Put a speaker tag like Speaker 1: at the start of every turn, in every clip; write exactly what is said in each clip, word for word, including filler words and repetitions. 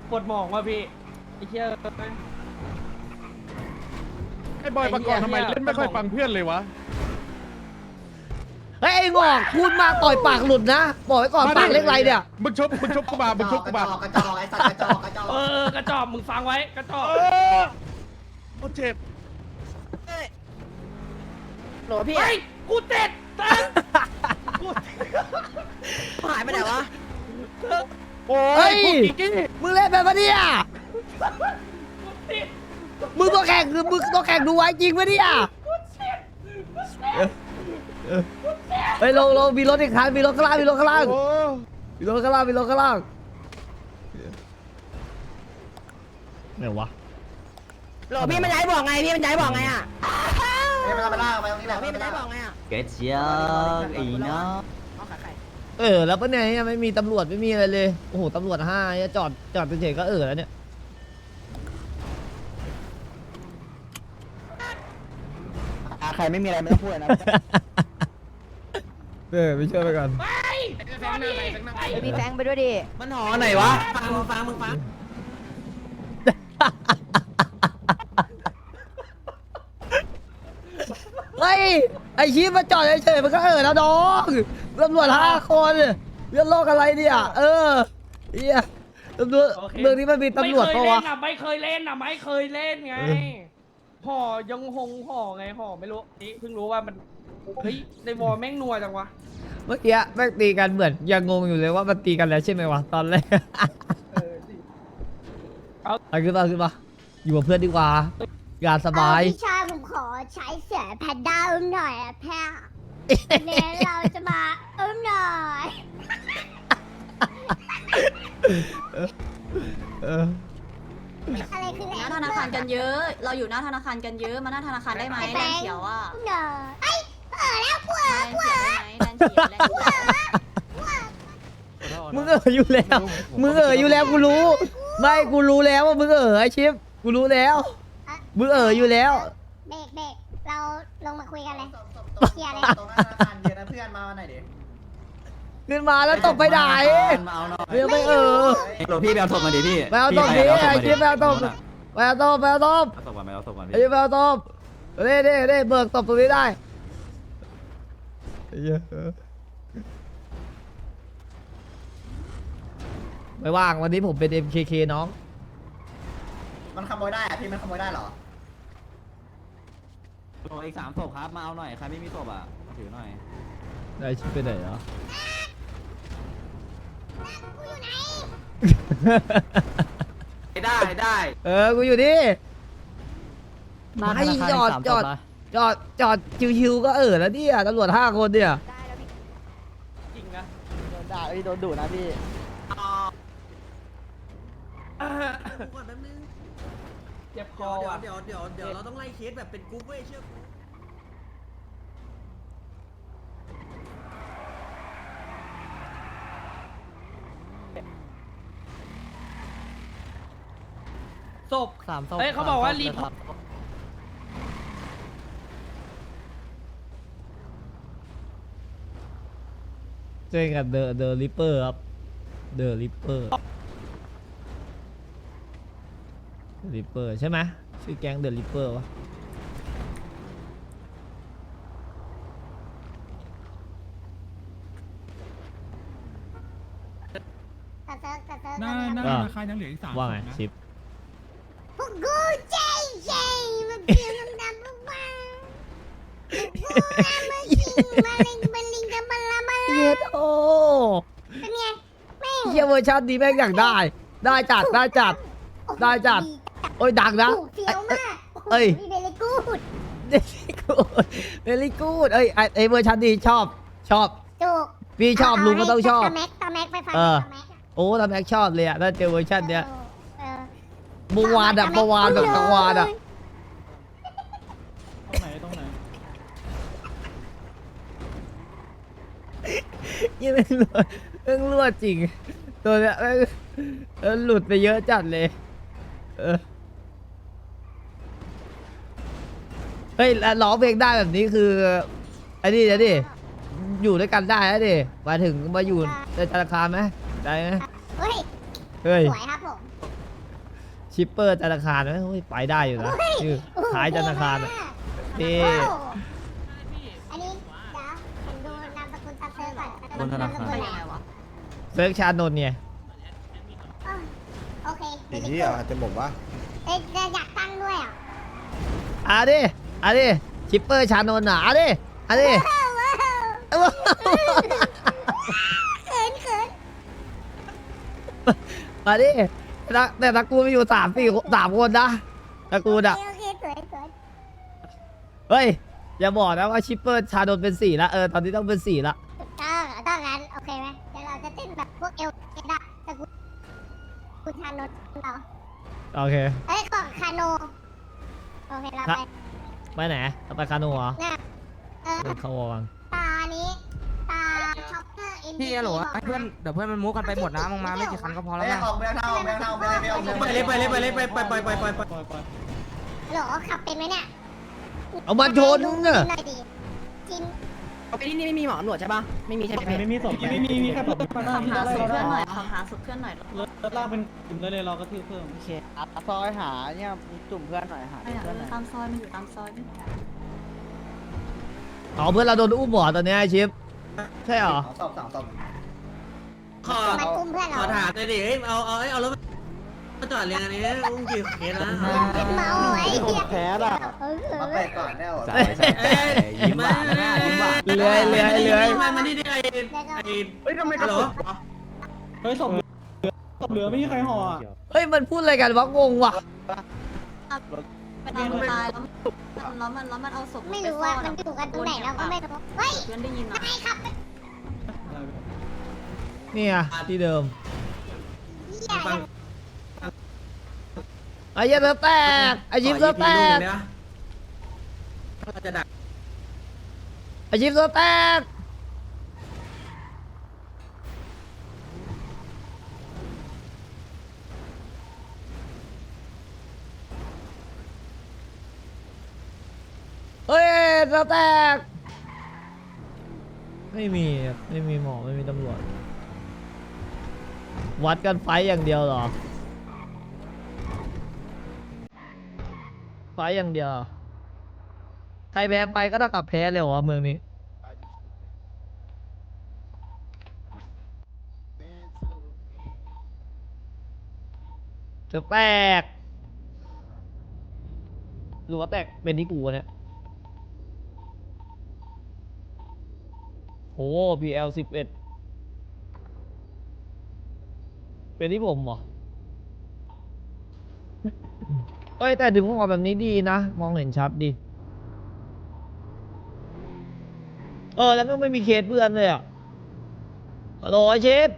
Speaker 1: ปวดหมองว่ะพี่ไอ้เชี่ย
Speaker 2: ไอ้บอยประกอบทำไมเล่นไม่ค่อยฟังเพื่อนเลยวะ
Speaker 3: เฮ้ยไอ้งอกพูดมากต่อยปากหลุดนะบอกไว้ก่อนปากเล็กไรเนี่ย
Speaker 2: มึงชบมึงชบกูมามึงชบกูมาก
Speaker 4: ระจอกไอ้สัตว์กระจอกกระจอก
Speaker 1: เออกระจอกมึงฟังไว้กระจอก
Speaker 2: เออโคตรเจ็บ
Speaker 5: โหลพี่
Speaker 1: เฮ้ยกูเจ็ดเต้นกู
Speaker 5: หายไปไหนวะ
Speaker 2: โอ้
Speaker 3: เฮ้
Speaker 2: ย
Speaker 3: ย
Speaker 2: พวกกิ๊กกี้
Speaker 3: มึงเล่นแบบปะเนี่ย
Speaker 1: กูติด
Speaker 3: มึงตัวแข่งคือมึงตัวแข่งดูไว้จริงปะเนี่ย
Speaker 1: กูเจ็ดกูเจ็ด
Speaker 3: เฮ้ยลงลงมีรถอีกคันมีรถข้างล่างมีรถข้างล่าง
Speaker 2: โอ้
Speaker 3: มีรถข้างล่างมีรถข้างล่างไหนวะ
Speaker 5: โหลพี่มันย้ายบอกไงพี่มันย้ายบอกไงอ่ะ
Speaker 4: เอ้ยมันเอาไปล่าไปตรงนี้แห
Speaker 5: โหล
Speaker 4: ละ
Speaker 5: พี่มันย้ายบอกไงอ่ะ
Speaker 6: เกจียอีเนาะ
Speaker 5: เอาขาไข่
Speaker 3: เออแล้วปะเนี่ยยังไม่มีตำรวจไม่มีอะไรเลยโอ้โหตำรวจห้าเนี่ยจอดจอดเฉยๆก็เออแล้วเนี่ย
Speaker 6: ใครไม่มีอะไรไม่ต้องพูดนะ
Speaker 3: เออไปช่วยไปก่อน
Speaker 1: ไปตอนนี้ไป
Speaker 5: ไปมีแฟงไปด้วยดิ
Speaker 6: มันหอไหนวะ
Speaker 5: ฟังมึงฟังมึงฟัง
Speaker 3: เฮ้ยไอชีพมาจอดเฉยๆมันก็เออแล้วน้องตำรวจห้าคนเรื่องโลกอะไรเนี่ยเออเฮียตำรวจเมืองนี้มันมีตำรวจปะวะ
Speaker 1: ไม่เคยเล่นอ่ะไม่เคยเล่นไงห่อยังหงห่อไงห่อไม่รู้นี่เพิ่งรู้ว่ามันเฮ้ยในวอลแม่งนัวจังวะ
Speaker 3: เมื่อกี้แม่งตีกันเหมือนยังงงอยู่เลยว่ามันตีกันแล้วใช่ไหมวะตอนแรก
Speaker 1: เออสิ
Speaker 3: เอาขึ้นมาขึ้นมาอยู่กับเพื่อนดีกว่างานสบาย
Speaker 7: พี่ชายผมขอใช้เสือแพนด้าอุ้มหน่อยอะแพ้เนี่ยเราจะมาอุ้มหน่อย
Speaker 3: เออ
Speaker 7: อะไรคือ
Speaker 8: หน้าธนาคารกันเยอะ เราอยู่หน้าธนาคารกันเยอะ มาหน้าธนาคารได้ไหมแลนเขียวอ่ะ
Speaker 7: อุ้มหน่อยไอ้ยเออแล้วกูเอ
Speaker 8: แล
Speaker 7: อน กู
Speaker 8: เขี
Speaker 7: เอ
Speaker 8: ยว
Speaker 7: อ
Speaker 8: ได้ไหมแลนเขียวแลนเขียว
Speaker 3: มึงเอออยู่แล้วมึงเอออยู่แล้วกูรู้ไม่กูรู้แล้วว่ามึงเออไอชิปกูรู้แล้วมึงเอออยู่แล้ว
Speaker 7: เบรกเบรกเราลงมาคุยกันเลย เคลียร์เลย
Speaker 4: ตรงหน้าธนาคารเย็นนะเพื่อนมาวันไหนดิ
Speaker 3: ขึ้นมาแล้วตบไปไหน
Speaker 6: มาเอาหน่อย
Speaker 3: เรียกไม่เออ
Speaker 6: โหลพี่ไปเอาศพมาดิพี่
Speaker 3: ไปเอาตบดิไอชิปไปเอาตบไปเอาตบไปเอาตบ
Speaker 6: เอาศพมาไปเอาศพมา
Speaker 3: ไอชิปไปเอาตบเด้เด้เด้เบิกตบตรงนี้ได้ไม่ว่างวันนี้ผมเป็น เอ็ม เค เค น้อง
Speaker 4: มันขโมยได้อะพี่มันขโมยได้เหรอ
Speaker 6: โหลอีกสามศพครับมาเอาหน่อยใครไม่มีศพอ่ะถือหน่อย
Speaker 3: ได้ชิปไปไหนเหรอ
Speaker 6: ได้ได้
Speaker 3: เออ กูอยู่นี่ไม่จอดจอดจอดจอดชิวๆก็เออแล้วเนี่ยตำรวจห้าคนเนี่ย
Speaker 1: จริงนะ
Speaker 5: โดนด่าพี่โดนดุนะพี่ก่อนแป๊บนึง
Speaker 1: เจ็บค
Speaker 5: เดี๋
Speaker 1: อ
Speaker 5: ยว
Speaker 1: ว่ะ
Speaker 5: เดี๋ยวเดี๋ยวเดี๋ยวเราต้องไล่เคสแบบเป็นกรุ๊ปเว้ยเชื่อ
Speaker 1: ศพ
Speaker 3: สามศพ
Speaker 1: เฮ้ยเขาบอกว่ารีพอร์ต
Speaker 3: เจอกับเดอะเดอะริปเปอร์ครับเดอะริปเปอร์ริปเปอร์ใช่ไหมชื่อแก๊งเดอะริปเปอร์วะ
Speaker 7: กระเซิร์กกระเซิร์ก
Speaker 2: หน้าหน้า
Speaker 3: อ่า
Speaker 2: ธนาคารยังเหลืออีกสาม
Speaker 3: ว่าไง
Speaker 2: ศพนะ
Speaker 3: ชิป
Speaker 7: พวกกูใจใจมันเพียงดำปุ๊บบ้ากูอามาจริงมาลิงมาลิงกันมาละมา
Speaker 3: เย็
Speaker 7: ละ
Speaker 3: ดโอ้
Speaker 7: เป็นไงแม่ง
Speaker 3: เฮียเวอร์ชันนี้แม่งอยากได้ ได้จัดได้จัด ได้จัด โอ้ยดังนะ
Speaker 7: ถูกเฟี้ยวมาก
Speaker 3: เอ้ย
Speaker 7: มีเบลกูด
Speaker 3: เดลี่กูดเดลี่กูดเอ้ยไอ้ไอ้เวอร์ชันนี้ชอบชอบ
Speaker 7: ถูก
Speaker 3: พี่ชอบลุงก็ต้องชอบ
Speaker 7: ตาแม็กตาแม็กไปฟัง
Speaker 3: เออ
Speaker 7: ตาแม็กอะ
Speaker 3: โอ้ทำแม็กชอบเลยอะถ้าเจอเวอร์ชันเนี้ย
Speaker 7: เออ
Speaker 3: เมื่อวานอะเมื่อวานแบบเมื่อวานอะ
Speaker 2: ตรงไหนตรงไหน
Speaker 3: ยังไม่รั่วเพิ่งรั่วจริง ตัวเนี้ยแม่งเออหลุดไปเยอะจัดเลยเออเฮ้ยแล้วร้องเพลงได้แบบนี้คือไอ้นี่นะดิอยู่ด้วยกันได้นะดิมาถึงมาอยู่ในธนาคารไหมได้ไหม
Speaker 7: เฮ้ย
Speaker 3: เฮ้ย
Speaker 7: สวยครับผม
Speaker 3: เชิปเปอร์ธนาคารไหมโอ้ยไปได้อยู่นะชื่อท้ายธนาคารอะนี่
Speaker 7: อันนี้เดี๋ยวผมดูนามสกุลตามเซิร์ฟก่อน
Speaker 6: บนธนาคาร
Speaker 8: ไปยังไงวะ
Speaker 3: เซิร์ฟชานนท์เนี่ย
Speaker 7: อ้าวโอเค
Speaker 2: ไอ้เหี้ยอาจจะบอกว่า
Speaker 7: เอ้ยอยากตั้งด้วยอ่ะ
Speaker 3: อ่ะดิอ่ะดิชิปเปอร์ชานนท์อ่ะอ่ะดิอ่ะดิ
Speaker 7: ว้าวเขินเขิน
Speaker 3: มาดิแต่แต่ตระกูลมีอยู่สามสี่สามคนนะตระกูลอ่ะ
Speaker 7: โอเคสวยสวย
Speaker 3: เฮ้ยอย่าบอกนะว่าชิปเปอร์ชานนท์เป็นสี่ละเออตอนนี้ต้องเป็นสี่ละ
Speaker 7: ถูกต้องถ้างั้นโอเคไหมเดี๋ยวเราจะเต้นแบบพวกเอลเอดะตะกุคุณชานนท์เรา
Speaker 3: โอเค
Speaker 7: เอ้ยของคาโนโอเคเราไป
Speaker 3: ไปไหนเอาไปคาโน่เหรอ
Speaker 7: เนี่ยเออ
Speaker 3: เดินเข้าววัง
Speaker 7: ตานี้ตาช็อปเปอร์เอ็น
Speaker 9: พี่ฮัลโหลให้เพื่อนเดี๋ยวเพื่อนมันมุกกันไปหมดนะมึงมาไม่กี่คันก็พอแล้ว
Speaker 4: เอ้ย
Speaker 9: นะ
Speaker 4: ออกเมืองเท่าออกเมืองเท่าออกเมืองเท่าออกเมือง
Speaker 5: ไปเลยไปเลยไปเลยไปไปไปไปไปไป
Speaker 2: ปล่อยปล่อย
Speaker 7: หรอขับเป็นไหมเนี่ย
Speaker 3: เอามาชน
Speaker 7: ดู
Speaker 3: น่ะ
Speaker 7: หน่อยดิจิน
Speaker 9: ไปที่นี่ไม่มีหมอหนวดใช่ปะไม่มีใช่ไหม
Speaker 2: ไม่มีศพไม่มีมีแค่เพิ่มมา
Speaker 8: ขับ
Speaker 2: ที่
Speaker 8: หา
Speaker 2: ได้
Speaker 8: สุดเพื่อนหน่อย
Speaker 2: ได้
Speaker 8: ขับหาสุดเพื่อนหน่อย
Speaker 2: รถลากเป็นกลุ่มได้เลยเราก็ทื่อเพิ่ม
Speaker 9: โอเคอ่ะซอยหาเนี่ยจุ่มเพื่อนหน่อยหา
Speaker 8: ไปไหน
Speaker 9: เพื่อนหน่อย
Speaker 8: ตามซอยมันอยู่ตามซอย
Speaker 3: อ๋อเพื่อนเราโดนอุ้มหมอตอนเนี้ยไอ้ชิปใช่เหรอ
Speaker 4: สองศพสองศพ
Speaker 5: ขอ
Speaker 7: มาตุ้มเพื่อน
Speaker 5: ข
Speaker 7: เรา
Speaker 5: อถามเลยดิเอ้ยเอาเอาเอ้ยเอารถมาจอดเรียงอันนี้อุ้งกี่เคสนะ
Speaker 7: เมาไอ้เหี้ย
Speaker 9: แพ้ล่ะ
Speaker 7: เออเอ
Speaker 4: มา
Speaker 7: อ
Speaker 4: เปิดก่อนแล้ว
Speaker 6: ใส่ใส่ใส่ยิ้มหวานนะยิ้มหวาน
Speaker 3: เลื้อยเลื้อยเลื้อย
Speaker 5: มามานี่ดิไอ้ไอ้เฮ้ยทำไมกระโดด
Speaker 2: เฮ้ยศพศพเหลือไม่มีใครห่ออ่ะ
Speaker 3: เฮ้ยมันพูดอะไรกันวะงงว่ะ
Speaker 8: ไปตามตายแล้วแล้วมันแล้วมันเอาศพ
Speaker 7: ไม่รู้ว่ามันอยู่กันตรงไหนเราก็ไม่รู้เฮ้ย
Speaker 8: เพื่อนได้ยินนะ
Speaker 7: ไม่ครับ
Speaker 3: เนี่ยที่เดิม
Speaker 7: เหี้ย
Speaker 5: ฟัง
Speaker 3: ไอ้เหี้ยเซิร์ฟแตกไอ้ชิปเซิร์ฟแตก
Speaker 5: เราจะดัก
Speaker 3: ไอ้ชิปเซิร์ฟแตกเฮ้ยเซิร์ฟแตกไม่มีไม่มีหมอไม่มีตำรวจวัดกันไฟอย่างเดียวเหรอไฟอย่างเดียวใครแพ้ไปก็ต้องกลับแพ้เลยเหรอเมืองนี้จะแตกหรือว่าแตกเป็นที่กูวะเนี่ยโอ้ พี แอล สิบเอ็ดเป็นที่ผมเหรอ เอ้ยแต่ดึงออกแบบนี้ดีนะ มองเห็นชัดดี เออ แล้วก็ไม่มีเคสเพื่อนเลยอ่ะฮัลโหลไอเชฟ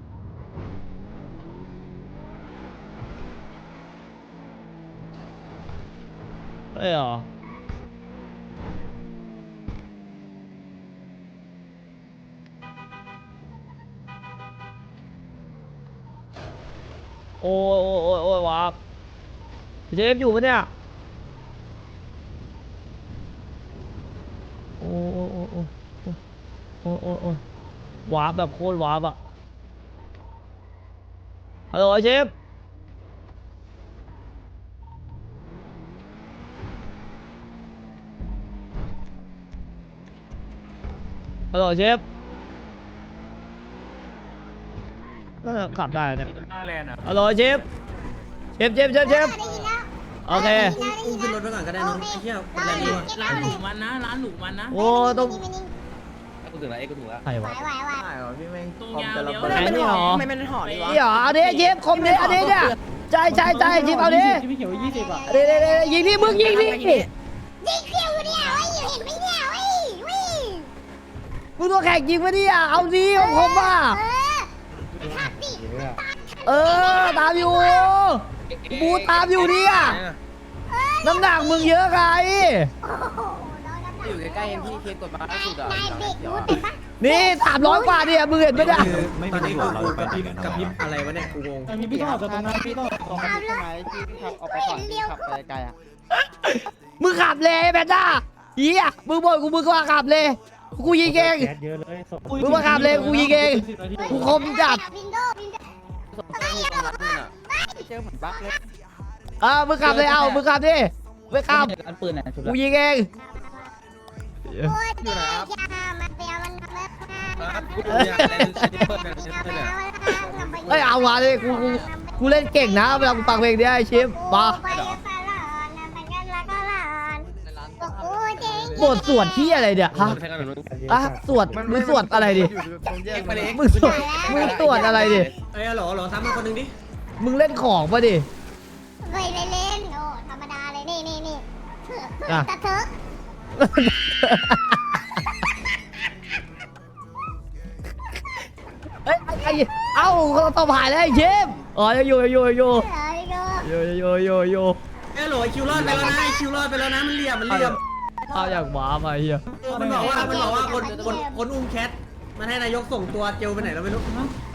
Speaker 3: เอ้ยเหรอ โอ้ยโอ้ยโอ้ยโอ้ยวาบเชฟอยู่ปะเนี่ย โอ้โอ้โอ้โอ้โอ้โอ้โอ้วาบแบบโคตรวาบอะฮัลโหลเชฟฮัลโหลเชฟน่าจะขับได้เนี่ยฮัลโหลเชฟเชฟเชฟเชฟเชฟ
Speaker 7: ได้ยินแล้ว
Speaker 3: โอเค
Speaker 5: อุ้มขึ้นรถไปก่อนก็ได้น้องไอ้เหี้ยแรงดีว่ะ
Speaker 7: ร้านหนูมัน
Speaker 3: โอ้ต้อง
Speaker 6: กูถึงแล้วเอ้กูถึงแล้ว
Speaker 3: ใคร
Speaker 7: ไหว
Speaker 3: วะ
Speaker 7: ไหวไหว
Speaker 9: ได้เหรอพี่แม่ง
Speaker 5: ตุ้งยาวเดียว
Speaker 3: ไหนนี่หรอ
Speaker 9: ไม่เป็นห่อดีวะ
Speaker 3: นี่หรออันนี้เชฟคมนี้อันนี้เนี่ยใช่ใช่ใช่เชฟเอาดิ
Speaker 2: ที่พี่เขียวยี่สิบอ่ะ
Speaker 3: เดี๋ยวเดี๋ยวเดี๋ยวยิงดิมึงยิงดิ
Speaker 7: ยิงเขียวเนี่ยเว้ยเห็นไหมเนี่ยเว้ยเว้ย
Speaker 3: มึงตัวแข่งยิงมาดิอ่ะเอาดิของผมอ่ะ
Speaker 7: เออขับดิ
Speaker 3: เออตามอยู่บูตามอยู่ดิอ่ะน้ำหนักมึงเยอะไง
Speaker 7: โอ้โหน้องน้ำหนัก
Speaker 9: อยู่ใกล้ๆพี่เคสกดมาล่าสุดอ่ะ
Speaker 7: นายเบรกรู้แต่ปะ
Speaker 3: นี่สามร้อยกว่าเนี่ยมึงเห็นไหมเนี่ย
Speaker 6: ไม่
Speaker 5: ตอน
Speaker 6: มี
Speaker 5: นี้
Speaker 6: ตำร
Speaker 5: กู
Speaker 6: วจเรา
Speaker 5: กู
Speaker 6: ไป
Speaker 5: กับ
Speaker 6: ไหน
Speaker 5: พริบ
Speaker 6: กัน
Speaker 5: กับพริบอะไรวะเนี่ยกูงง
Speaker 2: มีพี่ต้องออกจากตรงนั้นพี่ต้องออกตรงนั้น
Speaker 9: ใช่ไหมที่ขับออกไปก่อนที่ขับไปไกลอ่ะ
Speaker 3: มึงขับเลยแบนด้าเฮียมึงบอกกูมึงก็ขับเลยกูยิงเอง
Speaker 2: แก๊สเยอะเลยศพ
Speaker 3: มึงมาขับเลยกูยิงเองกูคมจัด
Speaker 7: วินโดว์วินโดว์
Speaker 9: ศพเจอเหมือนบั๊กเลย
Speaker 3: อ่ามึงขับเลยเอามึงขับดิไม่ขับ
Speaker 2: อันปืนไหนชุด
Speaker 3: กูยิงเอง
Speaker 7: โคตรเจ๋งจ้ามาเปียวมันมาเลยค่ะ
Speaker 9: กูอยากเล่นเซนิเฟิร์นเนี่ยเซนิเฟิร์นเนี่ย
Speaker 3: เอ้ยเอาวะเลยกูกูกูเล่นเก่งนะเวลากูฟังเพลงเนี้ยไอ้ชิปมา
Speaker 7: ไปกันตลอดนะไปกันละก็หลอนโอ้เจ๋ง
Speaker 3: บทสวดที่อะไรเนี่ยฮะอ่ะสวดมึงสวดอะไรดิ
Speaker 9: แยกไปเลย
Speaker 3: มึงสวดมึงสวดอะไรดิ
Speaker 5: เอ้ยหรอหรอซ้ำมาคนหนึ่งดิ
Speaker 3: มึงเล่นของปะดิ
Speaker 7: เคยเล่นโอ้ธรรมดาเลยนี่นี่นี่เถื่อ
Speaker 3: อ่ะ
Speaker 7: ตะเถอะ
Speaker 3: เอ้ยไอ้เอ้าเขาต้องผ่านแล้วไอ้ชิปอ๋อยังอยู่ยังอยู่ยังอยู่
Speaker 7: เถื่อเลยก็
Speaker 3: อยู่อยู่อยู่อยู่
Speaker 5: เอ้ยหรอคิวรอดไปแล้วนะคิวรอดไปแล้วนะมันเหลี่ยมมันเหลี่ยม
Speaker 3: เอาอย่างหมามาเฮีย
Speaker 5: มันบอกว่ามันบอกว่าคนคนคนอุ้มแคทมันให้นายกส่งตัวเจลไปไหนเราไม่รู้